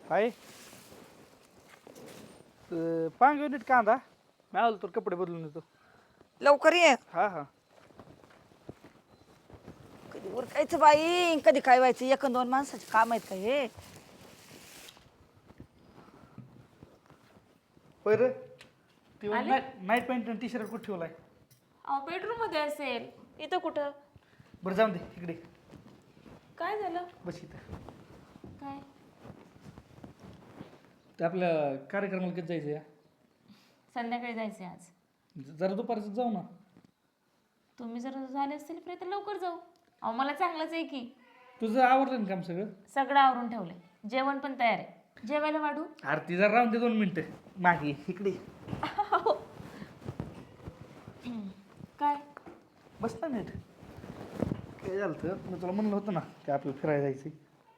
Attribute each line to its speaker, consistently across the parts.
Speaker 1: हाय पांग नीट कांदा मी आलो तर कपडे बदलून येतो.
Speaker 2: लवकर ये.
Speaker 1: हा हा
Speaker 2: कधी उरकायचं बाई, कधी काय व्हायचं. एक अन दोन माणसाचे काम आहेत का हे?
Speaker 1: बरं ती
Speaker 3: आले?
Speaker 1: नाईट पॅन्ट आणि टी शर्ट कुठे ठेवलाय?
Speaker 3: अहो बेडरूम मध्ये असेल. इथं कुठं?
Speaker 1: बरं जाऊन दे इकडे
Speaker 3: काय झालं?
Speaker 1: बस इथं.
Speaker 3: काय?
Speaker 1: ते आपल्या कार्यक्रमाला कधी जायचं या?
Speaker 3: संध्याकाळी जायचंय आज.
Speaker 1: जरा दुपारचं जाऊ ना.
Speaker 3: तुम्ही जर झाले असतील फ्री तर लवकर जाऊ. अहो मला चांगलंच आहे की.
Speaker 1: तुझं आवडलं ना काम सगळं?
Speaker 3: सगळं आवरून ठेवलंय. जेवण पण तयार आहे. जेवायला वाढू?
Speaker 1: आरती जरा राहून दे 2 मिनिटं मागे इकडे
Speaker 3: काय?
Speaker 1: बस ना नीट. काय झालं तर मी तुला म्हणलं होतं ना की आपल्याला फिरायला जायचं.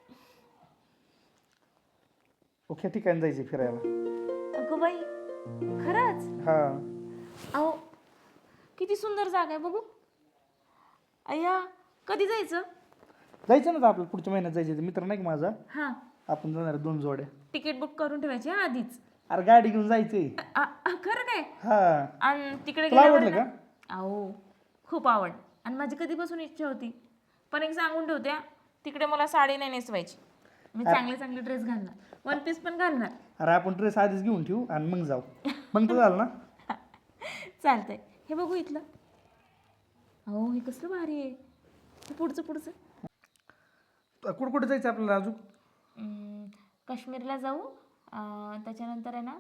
Speaker 1: ओके ठिकाणी जायचं फिरायला.
Speaker 3: अगं बाई खरंच?
Speaker 1: हा
Speaker 3: अहो किती सुंदर जागा आहे बघू. अय्या कधी जायचं?
Speaker 1: जायचं ना तर आपल्याला पुढच्या महिन्यात जायचं. मित्र नाही का माझा,
Speaker 3: हां
Speaker 1: आपण जाणार 2 जोड्या.
Speaker 3: तिकीट बुक करून ठेवायची हा आधीच.
Speaker 1: अरे गाडी घेऊन जायचंय.
Speaker 3: खरं काय?
Speaker 1: हा
Speaker 3: आणि तिकडे
Speaker 1: तुला
Speaker 3: गेल्यावर
Speaker 1: आवडलं
Speaker 3: ना-
Speaker 1: का?
Speaker 3: अहो खूप आवड. आणि माझी कधीपासून इच्छा होती. पण एक सांगून ठेवत्या, तिकडे मला साडी नाही नेसवायची. मी चांगले चांगले ड्रेस घालणार. वन पीस पण घालणार.
Speaker 1: अरे आपण ड्रेस आधीच घेऊन ठेवू आणि मग जाऊ. मग तर झालं ना.
Speaker 3: चालतंय. हे बघू इथलं. अहो हे कसलं भारी आहे. हे पुढचं पुढचं.
Speaker 1: कुठं कुठं जायचं आपल्याला अजून?
Speaker 3: काश्मीरला जाऊ. त्याच्यानंतर आहे ना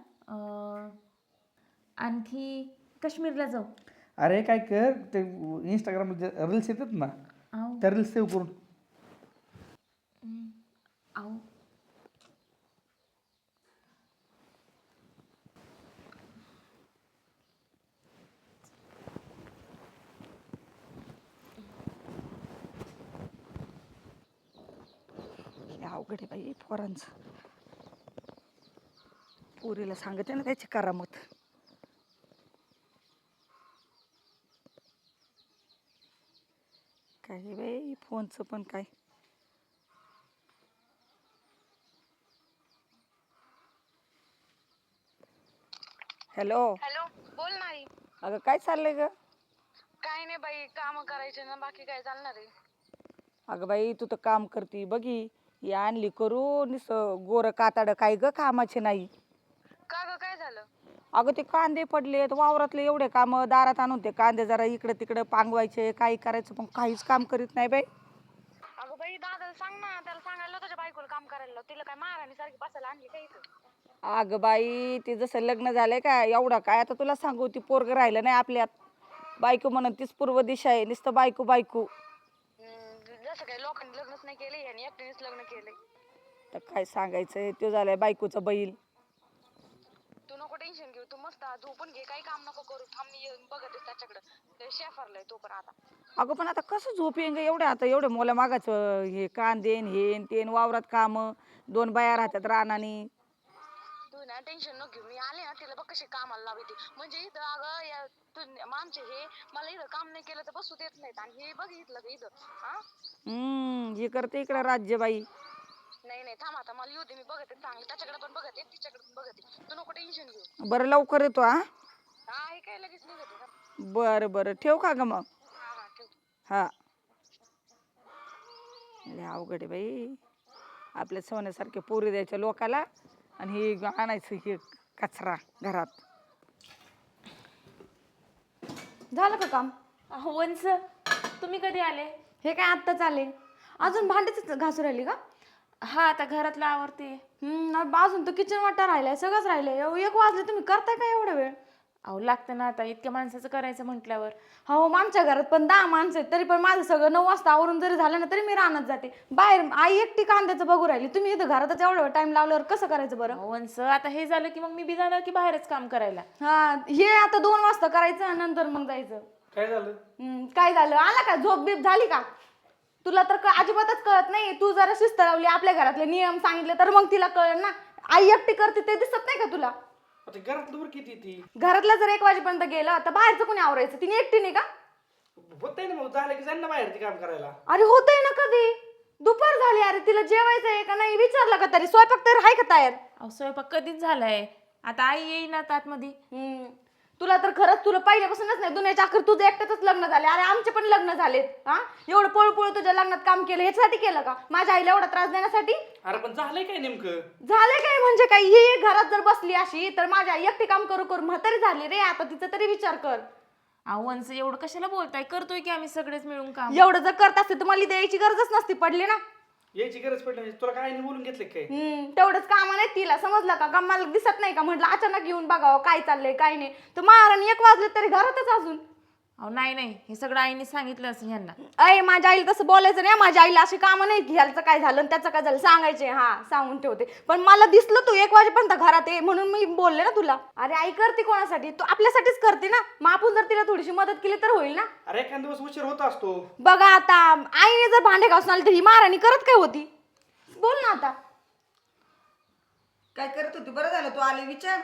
Speaker 3: आणखी काश्मीरला जाऊ.
Speaker 1: अरे काय कर ते इंस्टाग्रामला रील्स येतात ना,
Speaker 3: अहो
Speaker 1: त्या रील्स सेव्ह करून.
Speaker 3: अहो
Speaker 2: हे अवघड आहे बाई पोरांचं. पुरीला सांगते ना त्याची करामत. काय बाई फोनचं पण काय. हॅलो.
Speaker 4: हॅलो बोल ना आई.
Speaker 2: अगं काय चाललंय ग?
Speaker 4: काय नाही बाई, काम करायचे ना, बाकी काय चालणार आहे.
Speaker 2: अगं बाई तू तर काम करती बघी. ही आणली करून गोर काताड काय ग कामाचे नाही.
Speaker 4: का ग काय झालं?
Speaker 2: अगं ते कांदे पडलेत वावरातले एवढे काम, दारात आणून ते कांदे जरा इकडे तिकडे पांगवायचे, काही करायचं पण काहीच काम करीत नाही बाई.
Speaker 4: अगं बाई दादाला सांग ना, त्याला सांगायला तुझ्या बायकोला काम करायला लाव. तिला काय महाराणी सारखी बसायला आणली का इथं?
Speaker 2: अगं बाई ते जसं लग्न झालंय का एवढं काय आता तुला सांगू, ती पोरग राहिलं नाही आपल्यात. बायको म्हणून तीच पूर्व दिशा आहे, नुसतं बायको बायको.
Speaker 4: जसं काही लोकांनी लग्नच नाही केले आणि एकटीनेच लग्न केले.
Speaker 2: तर काय सांगायचंय, तो झालाय बायकोचा बैल.
Speaker 4: तू नको टेन्शन घेऊ, तू मस्त झोपून घे, काही काम नको करू. थांब मी बघत त्याच्याकडे. ते शेफारलाय तो पण आता.
Speaker 2: अगं पण आता कसं झोप येईन ग एवढं, आता एवढं मोला मागायचं हे कांदेन हेन तेन वावरात काम, 2 बाया राहतात रानानी.
Speaker 4: तू ना टेन्शन नको घेऊ, मी आले ना तिला बघ कशी कामाला लावते. म्हणजे इथं अगं आमचे हे मला इथं काम नाही केलं तर बसू देत नाहीत. आणि हे बघ इथलं इथं हा.
Speaker 2: हे करते इकडं राज्यबाई.
Speaker 4: नाही नाही थांब आता, मला येऊ दे, मी बघते चांगलं. त्याच्याकडे पण बघते, तिच्याकडे पण बघते. तू नको टेन्शन घेऊ.
Speaker 2: बरं लवकर येतो हा.
Speaker 4: हा हे काय लगेच निघते का?
Speaker 2: बरं बरं ठेव का ग मग.
Speaker 4: हा हा ठेव.
Speaker 2: हा लय अवघड आहे बाई. आपल्या सोन्यासारखे पोरी द्यायच्या लोकाला आणि हे आणायचं हे कचरा घरात.
Speaker 5: झालं का काम?
Speaker 3: अहो वंस तुम्ही कधी आले?
Speaker 5: हे काय आत्ताच आले. अजून भांडीच घासू राहिली का?
Speaker 3: हा आता घरातलं आवरते.
Speaker 5: अजून तर किचन वाटा राहिलाय, सगळंच राहिलंय. 1 वाजले, तुम्ही करताय का एवढा वेळ?
Speaker 3: अहो लागतं ना आता, इतक्या माणसाचं करायचं म्हटल्यावर.
Speaker 5: हो आमच्या घरात पण 10 माणसं आहेत, तरी पण माझं सगळं 9 वाजता आवरून जरी झालं ना तरी मी रानात जाते. बाहेर आई एकटी कांद्याचं बघू राहिली, तुम्ही इथं घरातच एवढा टाइम लावल्यावर कसं करायचं बरं?
Speaker 3: अहो वंस आता हे झालं की मग मी बी जाणार की बाहेरच काम करायला.
Speaker 5: हा हे आता 2 वाजता करायचं, नंतर मग जायचं.
Speaker 1: काय झालं?
Speaker 5: काय झालं? आला का? झोप बीप झाली का? तुला तर अजिबातच कळत नाही. तू जरा शिस्त लावली, आपल्या घरातले नियम सांगितले तर मग तिला कळेल ना. आई एकटी करते ते दिसत नाही का तुला?
Speaker 1: आता घरात दूर किती ती
Speaker 5: घरातलं जर 1 वाजेपर्यंत गेलं तर बाहेरचं कोणी आवरायचं? तिने एकटी नाही का?
Speaker 1: होत ना, मग झालं की जाईन ना बाहेर ते काम करायला.
Speaker 5: अरे होतंय ना कधी. दुपार झाली अरे, तिला जेवायचं आहे का नाही विचारलं का तरी? स्वयंपाक तर आहे का तयार?
Speaker 3: अहो स्वयंपाक कधीच झालाय, आता आई येईना आतमध्ये.
Speaker 5: तुला तर खरंच तुला पहिल्यापासूनच नाही दुनियाच्या अखेर तुझं एकट्याच लग्न झाले. अरे आमचे पण लग्न झालेत. हा एवढं पळपळ तुझ्या लग्नात काम केलं ह्याच्यासाठी केलं का? माझ्या आईला एवढा त्रास देण्यासाठी?
Speaker 1: अरे पण झालंय काय नेमकं?
Speaker 5: झालं काय म्हणजे काय? ही घरात जर बसली अशी तर माझी आई एकटी काम करू करू म्हातारी झाली रे. आता तिचा तरी विचार कर.
Speaker 3: अहो वंस एवढं कशाला बोलताय, करतोय की आम्ही सगळेच मिळून काम.
Speaker 5: एवढं जर करत असते तर मला द्यायची गरजच नसती पडली ना.
Speaker 1: यायची गरज पडली नाही. तुला काय नाही बोलून घेतलं काय?
Speaker 5: तेवढंच काम नाही तिला, समजलं का? मला दिसत नाही का? म्हटलं अचानक येऊन बघावं काय चाललंय काय नाही. तर महाराणी 1 वाजले तरी घरातच अजून.
Speaker 3: अहो नाही हे सगळं आईने सांगितलं असं ह्यांना.
Speaker 5: अय माझ्या आईला तसं बोलायचं नाही. माझ्या आईला अशी कामं नाही की ह्याचं काय झालं त्याचं काय झालं सांगायचे. हा सांगून ठेवते. पण मला दिसलं तू 1 वाजेपर्यंत घरात आहे म्हणून मी बोलले ना तुला. अरे आई करते कोणासाठी? तू आपल्यासाठीच करते ना. मग आपण जर तिला थोडीशी मदत केली तर होईल ना.
Speaker 1: अरे एखाद दिवस उशीर होत असतो.
Speaker 5: बघा आता आईने जर भांडे घासून आली तर ही महाराणी करत काय होती? बोल ना आता.
Speaker 2: काय करत होती? बरं झालं तू आले, विचार.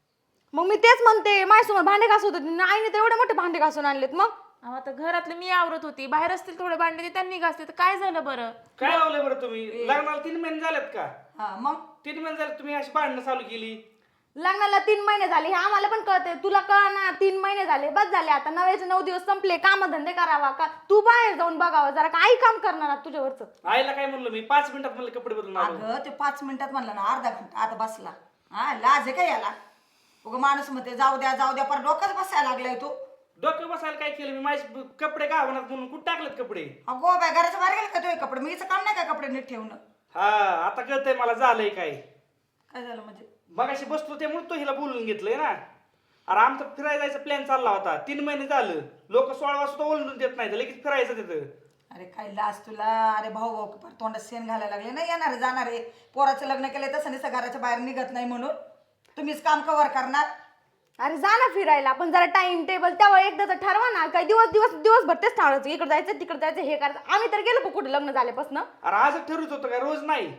Speaker 5: मग मी तेच म्हणते, माझ्यासमोर भांडे घासत होते आईने तर एवढे मोठे भांडे घासून आणलेत. मग
Speaker 3: अहो आता घरातलं मी आवरत होती, बाहेर असतील थोडे भांडे ते त्यांनी घासले तर काय झालं बरं?
Speaker 1: काय लावलंय बरं तुम्ही? लग्नाला 3 महिने झालेत का?
Speaker 2: हा मग
Speaker 1: 3 महिने झाले तुम्ही अशी भांडणं चालू केली.
Speaker 5: लग्नाला 3 महिने झाले हे आम्हाला पण कळते. तुला कळ ना? 3 महिने झाले बस झाले. आता 9 दिवस संपले. कामधंदे करावा का? तू बाहेर जाऊन बघावा जरा. काही काम करणार तुझ्यावरच.
Speaker 1: आईला काय म्हणलं मी? 5 मिनिटात म्हणलं कपडे बदलून आलो.
Speaker 2: अगं ते 5 मिनिटात म्हणलं ना, अर्धा घंटा आता बसला. हा लाज आहे का याला? उगा माणूस म्हणते जाऊ द्या पर डोकंच बसायला लागलाय तू.
Speaker 1: डोकं बसायला काय केलं मी? माझे कपडे गावनात म्हणून कुठं टाकलेत कपडे?
Speaker 2: अगो बाय घराच्या बाहेर गेले का तुझे कपडे? मी काम नाही का कपडे नीट ठेवणं?
Speaker 1: हा आता कळतंय मला झालंय काय.
Speaker 2: काय झालं म्हणजे?
Speaker 1: मगाशी बसलो त्यामुळे तो हिला बोलून घेतलंय ना. अरे आमचा फिरायला जायचा प्लॅन चालला होता. 3 महिने झालं. लोक 16 वाजता ओळखून देत नाही, लगेच फिरायचं तिथं.
Speaker 2: अरे काय लाज तुला? अरे भाऊ तोंडात शेण घालायला लागले ना. येणारे जाणारे पोराचं लग्न केलंय तसं नाही घराच्या बाहेर निघत नाही म्हणून तुम्हीच काम कव्हर करणार.
Speaker 5: अरे जा ना फिरायला. पण जरा टाइम टेबल तेव्हा एकदाच ठरवा ना. काही दिवसभर तेच ठरवायचं. इकडे जायचं तिकडे जायचं हे करायचं. आम्ही तर गेलो कुठे लग्न झाल्यापासून.
Speaker 1: अरे आजच ठरवत होतं काय? रोज नाही.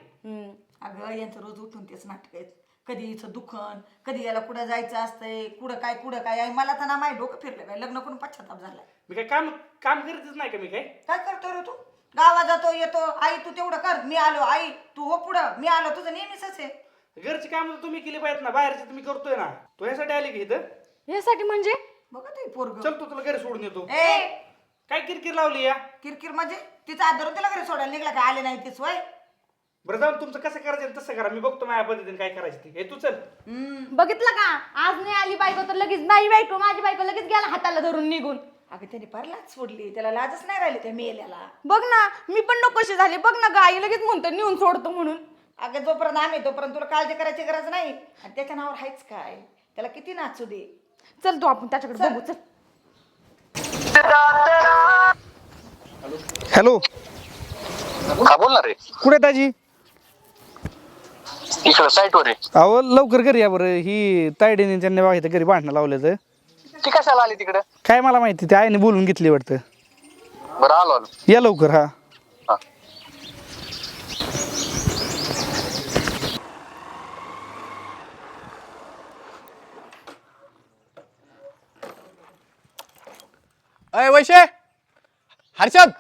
Speaker 2: अगं यांचं रोज उठून तेच नाटक आहेत. कधी हिचं दुखन, कधी याला कुठं जायचं असतंय, कुठं काय आहे. मला तर ना माय डोकं फिरलं काय. लग्न करून पश्चाताप झालाय.
Speaker 1: मी काय काम करीतच नाही का? मी काय
Speaker 2: करतो रे तू? गावात जातो येतो. आई तू तेवढं कर, मी आलो. आई तू हो पुढं, मी आलो. तुझं नेहमीच आहे.
Speaker 1: घरची काम तुम्ही केली पाहिजेत ना. बाहेरची तुम्ही करतोय ना. तो ह्यासाठी आली की इथं?
Speaker 5: यासाठी म्हणजे?
Speaker 2: बघा ते पोरग.
Speaker 1: चल तू तुला घरी सोडून येतो.
Speaker 2: ए
Speaker 1: काय किरकिर लावली या?
Speaker 2: किरकिर म्हणजे तिचा हात धरून तिला घरी सोडायला निघला काय? आले नाही ती सोय.
Speaker 1: बरं जाऊन तुमचं कसं करायचं तसं करा. मी बघतो माझ्या पद्धतीने काय करायचं ती. हे तू चल.
Speaker 5: बघितलं का? आज नाही आली बायको तर लगेच माझी बायको लगेच गेला हाताला धरून निघून.
Speaker 2: अगं त्याने फार लाज सोडली. त्याला लाजच नाही राहिली त्या मेल्याला.
Speaker 5: बघ ना मी पण नकोशी झाले. बघ ना गाई लगेच म्हणतो नेऊन सोडतो म्हणून.
Speaker 2: अगं जोपर्यंत आम्ही तोपर्यंत तुला काळजी करायची गरज नाही. आणि त्याच्या नावावर आहेच काय? त्याला किती नाचू दे.
Speaker 5: चल तू आपण त्याच्याकडे बघू. चल.
Speaker 1: हॅलो
Speaker 6: हा बोल ना रे.
Speaker 1: कुठे ताजी?
Speaker 6: इकडं साईटवर आहे.
Speaker 1: अहो लवकर घरी या बरं. ही तायडीने त्यांनी बघा इथं घरी भांडणं लावलं तर.
Speaker 6: ती कशाला आली तिकडं?
Speaker 1: काय मला माहिती, ते आईने बोलून घेतली वाटतं.
Speaker 6: बरं आलो.
Speaker 1: या लवकर. हा
Speaker 6: हा.
Speaker 7: अय वैशे, हर्षद,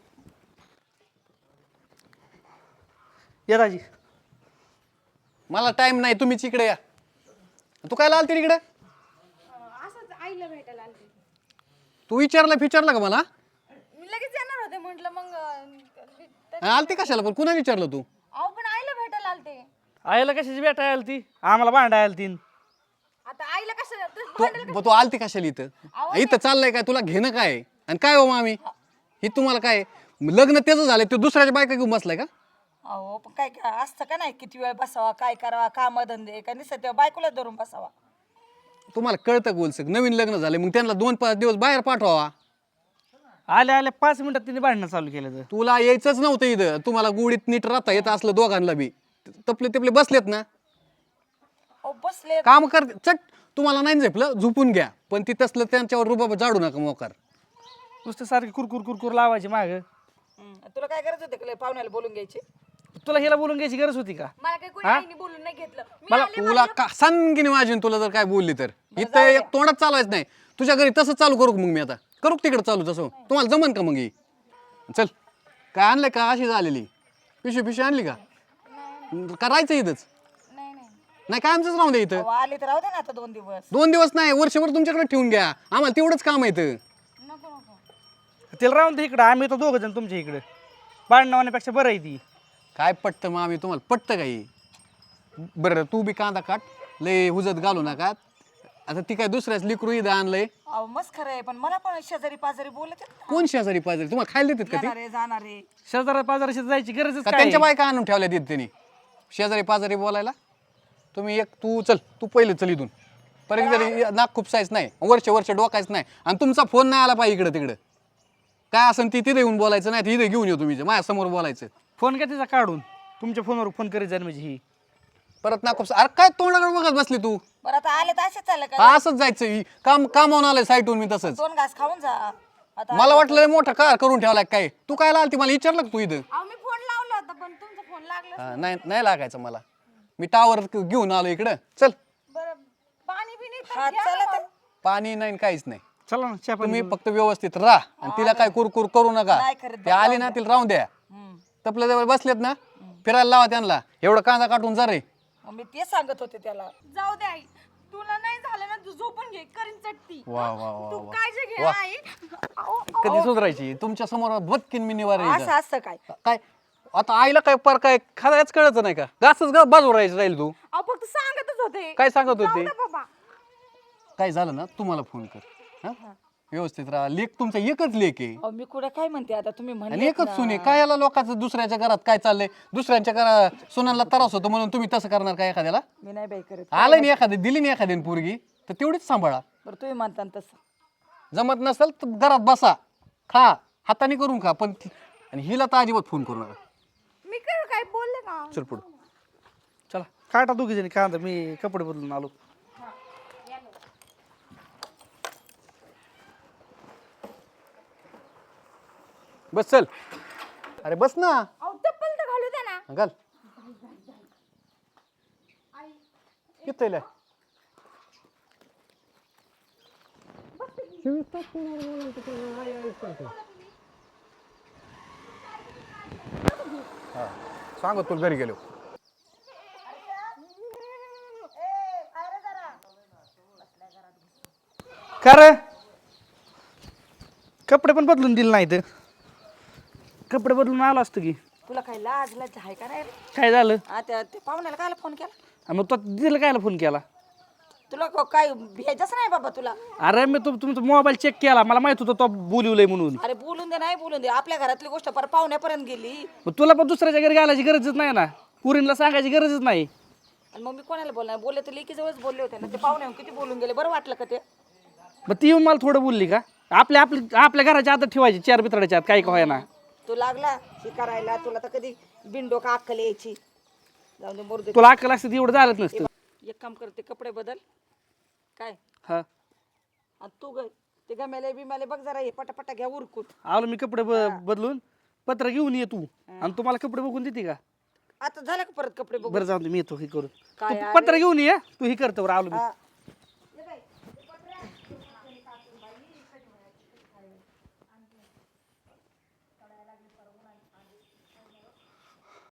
Speaker 1: या ताजी.
Speaker 7: मला टाइम नाही, तुम्हीच इकडे या. तू काय आलती तिकडे?
Speaker 5: असंच आईला भेटायला आलते.
Speaker 7: तू विचारलं का मला?
Speaker 5: मी लगेच येणार होते म्हटलं मग
Speaker 7: आलती कशाला? पण कुणा विचारलं तू?
Speaker 5: अहो पण आईला भेटायला आलते.
Speaker 1: आईला कशाची भेटायला आली ती? आम्हाला भांडायला आली ती.
Speaker 5: आता आईला कसं
Speaker 7: तू आलती कशाला इथं? इथं चाललंय काय? तुला घेणं काय? आणि काय हो मामी, ही तुम्हाला काय लग्न त्याचं झालंय, तू दुसऱ्याच्या बायका घेऊन बसलाय का?
Speaker 2: अहो पण काय काय असतं का नाही? किती वेळ बसावा, काय करावा, काम धंदे का निसत त्या बायकोला धरून बसावा.
Speaker 7: तुम्हाला कळतं गोलसक? नवीन लग्न झाले मग त्यांना 2-5 दिवस बाहेर पाठवावा.
Speaker 1: आल्या 5 मिनिटात तिने भांडणं चालू केलं तर.
Speaker 7: तुला यायचंच नव्हतं इथं. तुम्हाला गोडीत नीट राहता येत असलं दोघांना बी. तपले बसलेत ना,
Speaker 2: अहो बसले.
Speaker 7: काम कर चट. तुम्हाला नाही झेपलं झोपून घ्या, पण ती तसलं त्यांच्यावर रुबाब जाडू नका मोकार.
Speaker 1: नुसतं सारखी कुरकुर लावायची माग.
Speaker 2: तुला काय गरज होते पाहुण्याला बोलून घ्यायची?
Speaker 1: तुला हिला बोलून घ्यायची गरज होती का?
Speaker 5: मला काही कोणी आईने बोलून नाही घेतलं.
Speaker 7: मला तुला का सांगिन माझी तुला जर काय बोलली तर इथं एक तोंडात चालवायचं नाही. तुझ्या घरी तसं चालू करू मग मी आता करू तिकडे चालू तसं तुम्हाला जमन का मग? चल काय आणलंय का? अशी झालेली पिशवी आणली का करायचं इथंच नाही काय आमचंच राहून द्या इथं
Speaker 2: अहो, आले तर राहू दे ना आता 2 दिवस.
Speaker 7: 2 दिवस नाही वर्षभर तुमच्याकडे ठेवून घ्या आम्हाला तेवढंच काम आहे इथं.
Speaker 1: तिला राहून दे इकडं, आम्ही तर दोघं जण तुमच्या इकडे. भांडणं होण्यापेक्षा बरं आहे ती.
Speaker 7: काय पटतं मग आम्ही तुम्हाला पटतं काही. बरं तू बी कांदा काट लय हुजत घालू नका. आता ती काय दुसऱ्याच लिकरू इथं आणलंय.
Speaker 2: अहो मस्त खरं आहे, पण मला पण शेजारी पाजारी बोलत आहेत ना.
Speaker 7: कोण शेजारी पाजारी तुम्हाला खायला देतात का ते
Speaker 2: येणारे जाणारे.
Speaker 1: शेजारा पाजाराशी जायची गरजच
Speaker 7: का
Speaker 1: काय
Speaker 7: त्यांच्या
Speaker 1: आहे?
Speaker 7: बायका आणून ठेवल्या तिथे त्यांनी शेजारी पाजारी बोलायला. तुम्ही एक तू पहिले चल इथून परत जरी नाक खुपसायच नाही वर्ष डोकायच नाही आणि तुमचा फोन नाही आला पाहिजे इकडं तिकडं काय असं ती तिथे येऊन बोलायचं नाही तिथे घेऊन येऊ तुम्ही माझ्या समोर बोलायचं.
Speaker 1: फोन काय तिचा काढून तुमच्या फोनवर फोन करीत जाईल म्हणजे ही.
Speaker 7: परत नाक खुपसा अरे काय तोंडाकडे बघत बसली तू.
Speaker 2: बरं आता आले तर असेच चाललं का?
Speaker 7: हा, असंच जायचं कामावून आलंय साईटून मी तसंच.
Speaker 2: 2 घास खाऊन जा आता.
Speaker 7: मला वाटलं लय मोठा कार करून ठेवलाय काय तू काय आलती मला विचारलं का तू इथं.
Speaker 5: अहो मी फोन लावला होता पण तुमचा फोन लागला.
Speaker 7: हा, नाही लागायचं मला मी टावर घेऊन आलो इकडं चल.
Speaker 5: बरं पाणी बिनी तर
Speaker 2: हा,
Speaker 5: घ्या
Speaker 2: चला
Speaker 5: ना
Speaker 2: तर.
Speaker 5: मग.
Speaker 7: पाणी नाही काहीच नाही
Speaker 1: चला ना चहा पाणी
Speaker 7: तुम्ही फक्त व्यवस्थित राहा आणि तिला काय कुरकुर करू नका.
Speaker 2: नाही करत
Speaker 7: ते आली ना तिला राहून द्या. तपल्या जवळ बसलेत ना फिरायला लावा त्यांना एवढं कांदा काटून जा रे.
Speaker 2: मग मी तेच सांगत होते त्याला.
Speaker 5: जाऊ दे आई, तुला नाही झालं ना तू झोपून घे, करीन चटती.
Speaker 7: वा वा वा
Speaker 5: तू
Speaker 7: वा.
Speaker 5: काळजी घे
Speaker 7: वा.
Speaker 5: आई. अहो,
Speaker 7: कधी सुधारायची तुमच्या समोर बदकीन मी निवार
Speaker 2: असं असतं काय?
Speaker 7: काय आता आईला काय पर काय खायच कळत नाही का गासच गा बाजू राहायचं राहील तू.
Speaker 5: अहो फक्त सांगतच होते.
Speaker 7: काय सांगत
Speaker 5: जाऊ
Speaker 7: होते
Speaker 5: दे बाबा.
Speaker 7: काय झालं ना तुम्हाला फोन कर हा व्यवस्थित राहा. लेख तुमचा एकच लेख आहे
Speaker 2: अहो मी कुठं काय म्हणते आता तुम्ही
Speaker 7: आणि
Speaker 2: म्हणले
Speaker 7: एकच सुने काय याला लोकांचं दुसऱ्याच्या घरात काय चाललंय दुसऱ्यांच्या घरात सुनांना त्रास होतो म्हणून तुम्ही तसं करणार का एखाद्याला.
Speaker 2: मी नाही बाई करत.
Speaker 7: आलं नाही एखादी दिली नाही एखाद्याने पोरगी तर तेवढीच सांभाळा.
Speaker 2: बरं तुम्ही म्हणता ना तसं.
Speaker 7: जमत नसेल तर घरात बसा खा हाताने करून खा पण आणि हिला तर अजिबात फोन करू नका.
Speaker 5: मी काय बोलले का?
Speaker 7: चल पुढं.
Speaker 1: चला काटा दोघी जणी कांदा, मी कपडे बदलून आलो.
Speaker 7: बस चल अरे बस ना
Speaker 5: अहो चप्पल तर घालू दे ना.
Speaker 7: घाल किती सांगत तुला घरी गेलो.
Speaker 1: खरं कपडे पण बदलून दिले नाहीत. कपडे बदलून आलो असतो की.
Speaker 2: तुला काय लाज लाज आहे का नाही रे?
Speaker 1: काय झालं
Speaker 2: त्या पाहुण्याला कायला फोन केला?
Speaker 1: मग तो दिलं कायला फोन केला.
Speaker 2: तुला काय भेजच नाही बाबा तुला.
Speaker 1: अरे मी तुमचा मोबाईल चेक केला, मला माहित होतं तो बोलवलंय म्हणून.
Speaker 2: अरे बोलून दे नाही बोलून दे, आपल्या घरातली गोष्ट पर पाहुण्यापर्यंत गेली.
Speaker 1: मग तुला पण दुसऱ्याच्या घरी घालायची गरजच नाही ना, पुरीला सांगायची गरजच नाही.
Speaker 2: आणि मग मी कोणाला बोलणार? बोलले तर लेकी जवळच बोलले होते ना. ते पाहुणे किती बोलून गेले, बरं वाटलं का ते?
Speaker 1: मग ती येऊन मला थोडं बोलली का? आपल्या घराच्या आत ठेवायची 4 बितराच्या आत काही का ना.
Speaker 2: तू लागला हे करायला, तुला तर कधी बिंडो का अक्कल यायची. जाऊ दे मरू दे.
Speaker 1: तुला अक्कल असते एवढं झालंच नसतं.
Speaker 2: एक काम करते, कपडे बदल काय.
Speaker 1: हा
Speaker 2: आणि तू ग ते गमेले बिमेले बघ जरा, हे पटापटा घ्या उरकून.
Speaker 1: आलो मी कपडे बदलून. पत्र घेऊन ये तू आणि तुम्हाला कपडे बघून देते का?
Speaker 2: आता झालं का परत कपडे बघ.
Speaker 1: बरं जाऊ दे, मी येतो हे करून.
Speaker 2: काय
Speaker 1: तू पत्र घेऊन ये, तू हे करतो. आलो मी.